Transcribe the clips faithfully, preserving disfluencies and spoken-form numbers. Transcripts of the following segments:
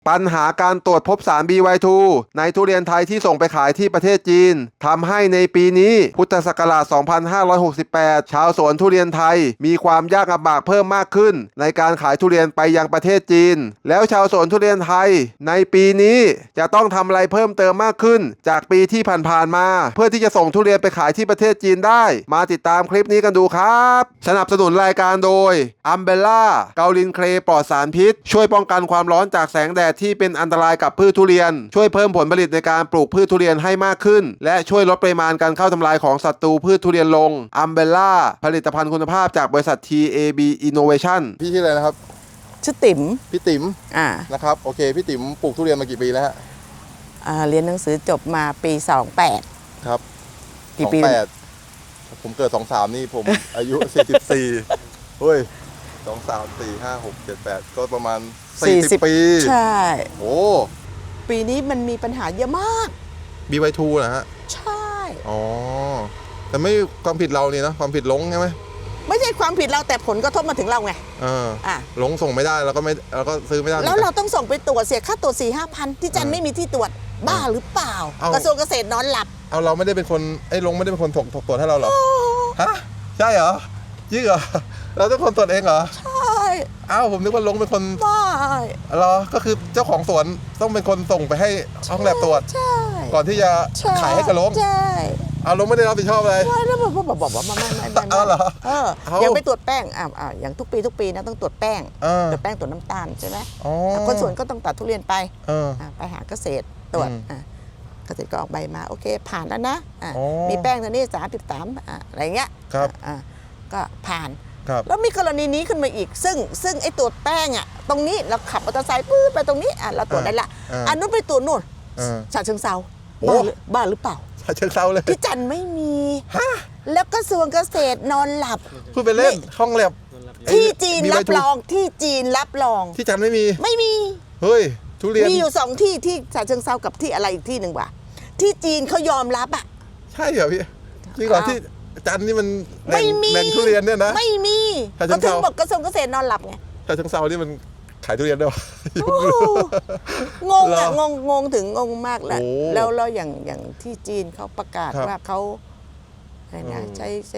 ปัญหาการตรวจพบสาร บี วาย ทู ในทุเรียนไทยที่ส่งไปขายที่ประเทศจีนทำให้ในปีนี้พุทธศักราช สองพันห้าร้อยหกสิบแปด ชาวสวนทุเรียนไทยมีความยากลำบากเพิ่มมากขึ้นในการขายทุเรียนไปยังประเทศจีนแล้วชาวสวนทุเรียนไทยในปีนี้จะต้องทำอะไรเพิ่มเติมมากขึ้นจากปีที่ผ่านๆมาเพื่อที่จะส่งทุเรียนไปขายที่ประเทศจีนได้มาติดตามคลิปนี้กันดูครับสนับสนุนรายการโดย Umbrella เกาลินเคลปลอดสารพิษช่วยป้องกันความร้อนจากแสงแดดที่เป็นอันตรายกับพืชทุเรียนช่วยเพิ่มผลผลิตในการปลูกพืชทุเรียนให้มากขึ้นและช่วยลดปริมาณการเข้าทำลายของศัตรูพืชทุเรียนลง Umbrella ผลิตภัณฑ์คุณภาพจากบริษัท ที เอ บี Innovation พี่ชื่ออะไรนะครับชื่อติ๋มพี่ติ๋มอ่านะครับโอเคพี่ติ๋มปลูกทุเรียนมากี่ปีแล้วฮะอ่าเรียนหนังสือจบมาปีสองแปดครับกี่ปีสองแปดผมเกิดสองสามนี่ผม อายุสี่สิบสี่เฮ้ยสองสามสี่ห้าหกเจ็ดแปดก็ประมาณสี่สิบปีใช่โอ้ปีนี้มันมีปัญหาเยอะมากบี วาย ทู นะฮะใช่อ๋อแต่ไม่ความผิดเราเนี่ยนะความผิดลงใช่ไหมไม่ใช่ความผิดเราแต่ผลกระทบมาถึงเราไงเอออ่ะลงส่งไม่ได้แล้วก็ไม่แล้วก็ซื้อไม่ได้แล้วเราต้องส่งไปตรวจเสียค่าตรวจสี่ห้าพันที่จันไม่มีที่ตรวจบ้าหรือเปล่ากระทรวงเกษตรนอนหลับเอาเราไม่ได้เป็นคนไอ้ลงไม่ได้เป็นคนถกถกตรวจให้เราหรอฮะใช่เหรอจริงเหรอเราต้องคนตรวจเองเหรอใช่อ้าวผมนึกว่าลงเป็นคนไม่เหรอก็คือเจ้าของสวนต้องเป็นคนส่งไปให้ห้องแลบตรวจใช่ก่อนที่จะขายให้กับลงใช่เอาลงไม่ได้รับผิดชอบอะไรไม่แล้วบอกบอกบอกว่าไม่ไม่ไม่ไม่เอาเหรอเออยังไปตรวจแป้งอ่าอ่าอย่างทุกปีทุกปีนะต้องตรวจแป้งตรวจแป้งตรวจน้ำตาลใช่ไหมคนสวนก็ต้องตัดทุเรียนไปไปหาเกษตรตรวจเกษตรก็ออกใบมาโอเคผ่านแล้วนะมีแป้งตัวนี้สามสิบสามอะไรเงี้ยก็ผ่านแล้วมีกรณีนี้ขึ้นมาอีกซึ่งซึ่งไอ้ตรวจแป้งอ่ะตรงนี้เราขับมอเตอร์ไซค์ปื้อไปตรงนี้อ่ะเราตรวจได้ละอันนู้นไปตรวจนู่นฉะเชิงเทราบ้าบ้าหรือเปล่าฉะเชิงเทราเลยที่จันไม่มีแล้วกระทรวงเกษตรนอนหลับพูดไปเล่นห้องแลบที่จีนรับรองที่จีนรับรองที่จันไม่มีไม่มีเฮ้ยทุเรียนมีอยู่สองที่ที่ฉะเชิงเทรากับที่อะไรอีกที่หนึ่งว่ะที่จีนเขายอมรับอ่ะใช่เหรอพี่จริงเหรอที่จันนี่มันแหล่งทุเรียนเนี่ยนะไม่มีก็ถึงบอกกระทรวงเกษตรนอนหลับไงฉะเชิงเทรานี่มันขายทุเรียนได้หรองงอ่ะงงงงถึงงงมากแหละแล้วแล้วอย่างอย่างที่จีนเขาประกาศว่าเขาอะไรนะใช้ใช้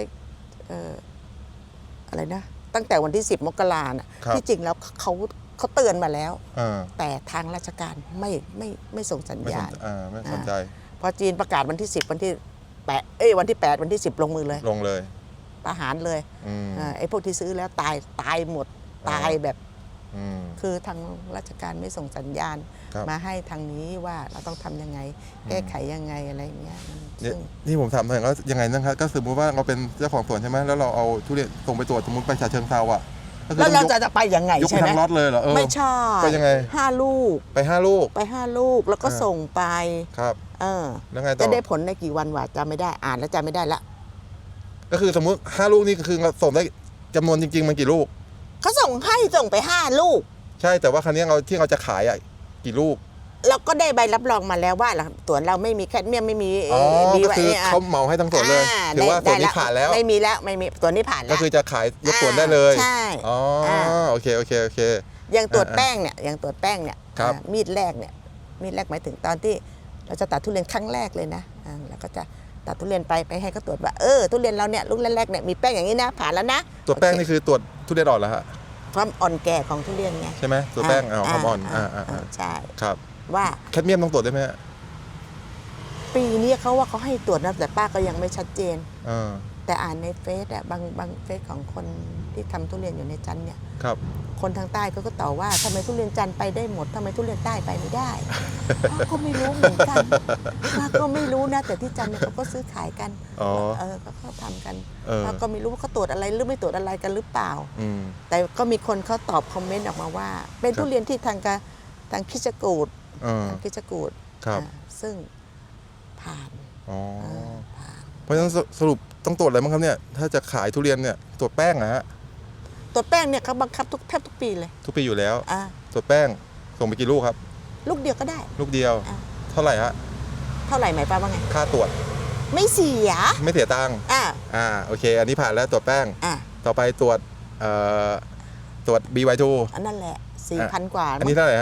อะไรนะตั้งแต่วันที่สิบมกราน่ะที่จริงแล้วเขาเขาเตือนมาแล้วแต่ทางราชการไม่ไม่ไม่ส่งสัญญาณไม่สนใจพอจีนประกาศวันที่สิบวันที่แปดเอ้ยวันที่แปดวันที่สิบลงมือเลยลงเลยประหารเลยไอ้พวกที่ซื้อแล้วตายตายหมดตายแบบคือทางราชการไม่ส่งสัญญาณมาให้ทางนี้ว่าเราต้องทำยังไงแก้ไขยังไงอะไรเงี้ยนี่ผมถามหน่อยว่ายังไงนะครับก็สมมติว่าเราเป็นเจ้าของสวนใช่ไหมแล้วเราเอาทุเรียนส่งไปตรวจสมมติไปฉะเชิงเทราอ่ะแล้วเราจะจะไปยังไงใช่ไหมยกไปทั้งล็อตเลยเหรอไม่ใช่ไปยังไงห้าลูกไปห้าลูกไปห้าลูกแล้วก็ส่งไปครับเออแล้วไงต่อจะได้ผลในกี่วันวะจำไม่ได้อ่านแล้วจำไม่ได้ละก็คือสมมุติห้าลูกนี่คือเราส่งได้จำนวนจริงๆมันกี่ลูกเขาส่งให้ส่งไปห้าลูกใช่แต่ว่าครั้งนี้เราที่เราจะขายอ่ะกี่ลูกเราก็ได้ใบรับรองมาแล้วว่าสวนเราไม่มีแคดเมียมไม่มีอ๋อก็คือเขาเหมาให้ทั้งสวนเลยถือว่าสวนนี้ผ่านแล้วไม่มีแล้วไม่มีสวนนี้ผ่านแล้วก็คือจะขายยกสวนได้เลยใช่อ๋อโอเคโอเคโอเคอย่างตรวจแป้งเนี่ยอย่างตรวจแป้งเนี่ยมีดแรกเนี่ยมีดแรกหมายถึงตอนที่เราจะตัดทุเรียนครั้งแรกเลยนะแล้วก็จะตัดทุเรียนไปไปให้เขาตรวจว่าเออทุเรียนเราเนี่ยลูกแรกๆเนี่ยมีแป้งอย่างนี้นะผ่านแล้วนะตรวจแป้งนี่คือตรวจทุเรียนอ่อนแล้วฮะความอ่อนแก่ของทุเรียนไงใช่ไหมตัวแป้งเอาความอ่อนอ่าอ่าใช่ครับว่าแคดเมียมต้องตรวจได้ไหมปีนี้เขาว่าเขาให้ตรวจนะแต่ป้าก็ยังไม่ชัดเจนอ่าแต่อ่านในเฟซอะบางบางเฟซของคนที่ทำทุเรียนอยู่ในจันเนี่ยครับคนทางใต้เขาก็ต่อว่าทำไมทุเรียนจันไปได้หมดทำไมทุเรียนใต้ไปไม่ได้ป้าก็ไม่รู้เหมือนกันป้าก็ไม่รู้นะแต่ที่จันเนี่ยเขาก็ซื้อขายกันเออเขาทำกันป้าก็ไม่รู้ว่าเขาตรวจอะไรหรือไม่ตรวจอะไรกันหรือเปล่าแต่ก็มีคนเขาตอบคอมเมนต์ออกมาว่าเป็นทุเรียนที่ทางการทางคิชกูดทางคิชกูดซึ่งผ่านเพราะฉะนั้นสรุปต้องตรวจอะไรบ้างครับเนี่ยถ้าจะขายทุเรียนเนี่ยตรวจแป้งนะฮะตรวจแป้งเนี่ยเขาบังคับทุกแทบทุกปีเลยทุกปีอยู่แล้วตรวจแป้งส่งไปกี่ลูกครับลูกเดียวก็ได้ลูกเดียวเท่าไหร่ฮะเท่าไหร่หมายความว่าไงค่าตรวจไม่เสียไม่เสียตังค์อ่าอ่าโอเคอันนี้ผ่านแล้วตรวจแป้งอ่าต่อไปตรวจเอ่อตรวจ บี วาย ทูอันนั่นแหละสี่พันกว่าอันนี้เท่าไหร่ฮะ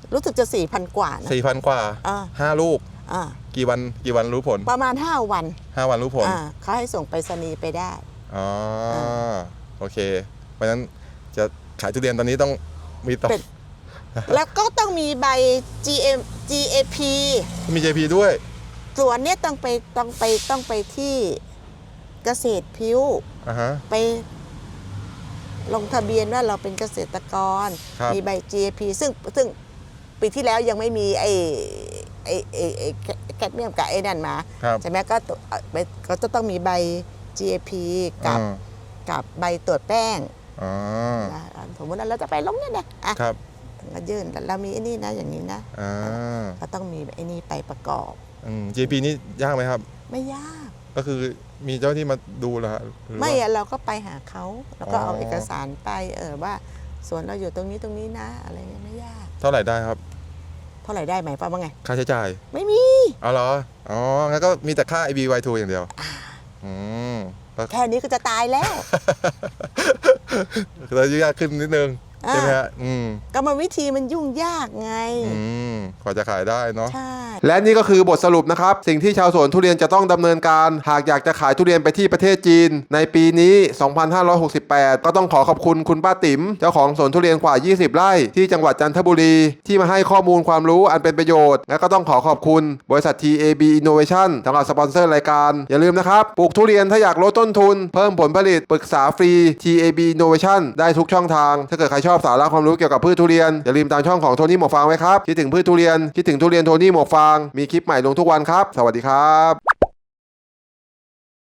รู้สึกจะสี่พันกว่านะสี่พันกว่าอ่าห้าลูกอ่ากี่วันกี่วันรู้ผลประมาณห้าวันห้าวันรู้ผลอ่าเขาให้ส่งไปรษณีย์ไปได้อ๋อโอเค เพราะฉะนั้นจะขายทุเรียนตอนนี้ต้องมีต่อเป็น แล้วก็ต้องมีใบ จี เอ็ม จี เอ พีมี เจ พี ด้วยส่วนเนี้ยต้องไปต้องไปต้องไปที่เกษตรพิ้วอ่าฮะไปลงทะเบียนว่าเราเป็นเกษตรกรครับมีใบ จี เอ พี ซึ่งซึ่งปีที่แล้วยังไม่มีไอ้ไอ้ไอ้ไอ้แคดเมียมกับไอ้นั่นมาครับใช่ไหมก็ตัวก็จะต้องมีใบ จี เอ พี กับอ่ากับใบตรวจแป้งอ๋อนะสมมติว่าเราจะไปลงเนี่ยนะอ่ะครับก็ยื่นเรามีไอ้นี่นะอย่างนี้นะอ่าก็ต้องมีไอ้นี่ไปประกอบอืม เจ พี นี่ยากไหมครับไม่ยากก็คือมีเจ้าที่มาดูเหรอฮะหรือไม่ว่าอะเราก็ไปหาเขาแล้วก็อ๋อเอาเอกสารไปเออว่าสวนเราอยู่ตรงนี้ตรงนี้นะ อะไรเงี้ยไม่ยากเท่าไหร่ได้ครับเท่าไหร่ได้ไหมป้าว่าไงค่าใช้จ่ายไม่มีเอาเหรอ อ๋อ งั้นก็มีแต่ค่า ไอ บี วาย ทู อย่างเดียว อืมแล้วแค่นี้ก็จะตายแล้วเรายุ่งยากขึ้นนิดนึง ใช่ไหมฮะ อืมกรรมวิธีมันยุ่งยากไงอืมกว่าจะขายได้เนาะใช่และนี่ก็คือบทสรุปนะครับ สิ่งที่ชาวสวนทุเรียนจะต้องดำเนินการ หากอยากจะขายทุเรียนไปที่ประเทศจีน ในปีนี้ สองพันห้าร้อยหกสิบแปด ก็ต้องขอขอบคุณคุณป้าติ๋มเจ้าของสวนทุเรียนกว่า ยี่สิบ ไร่ ที่จังหวัดจันทบุรี ที่มาให้ข้อมูลความรู้อันเป็นประโยชน์ และก็ต้องขอขอบคุณบริษัท ที เอ บี Innovation สำหรับสปอนเซอร์รายการ อย่าลืมนะครับ ปลูกทุเรียนถ้าอยากลดต้นทุน เพิ่มผลผลิตปรึกษาฟรี ที เอ บี Innovation ได้ทุกช่องทาง ถ้าเกิดใครชอบสาระความรู้เกี่ยวกับพืชทุเรียนอย่าลืมตามช่องของโทนี่หมวกฟางไว้ครับคิดถึงพืชทุเรียนคิดถึงทุเรียนโทนี่หมวกฟางมีคลิปใหม่ลงทุกวันครับสวัสดีครับ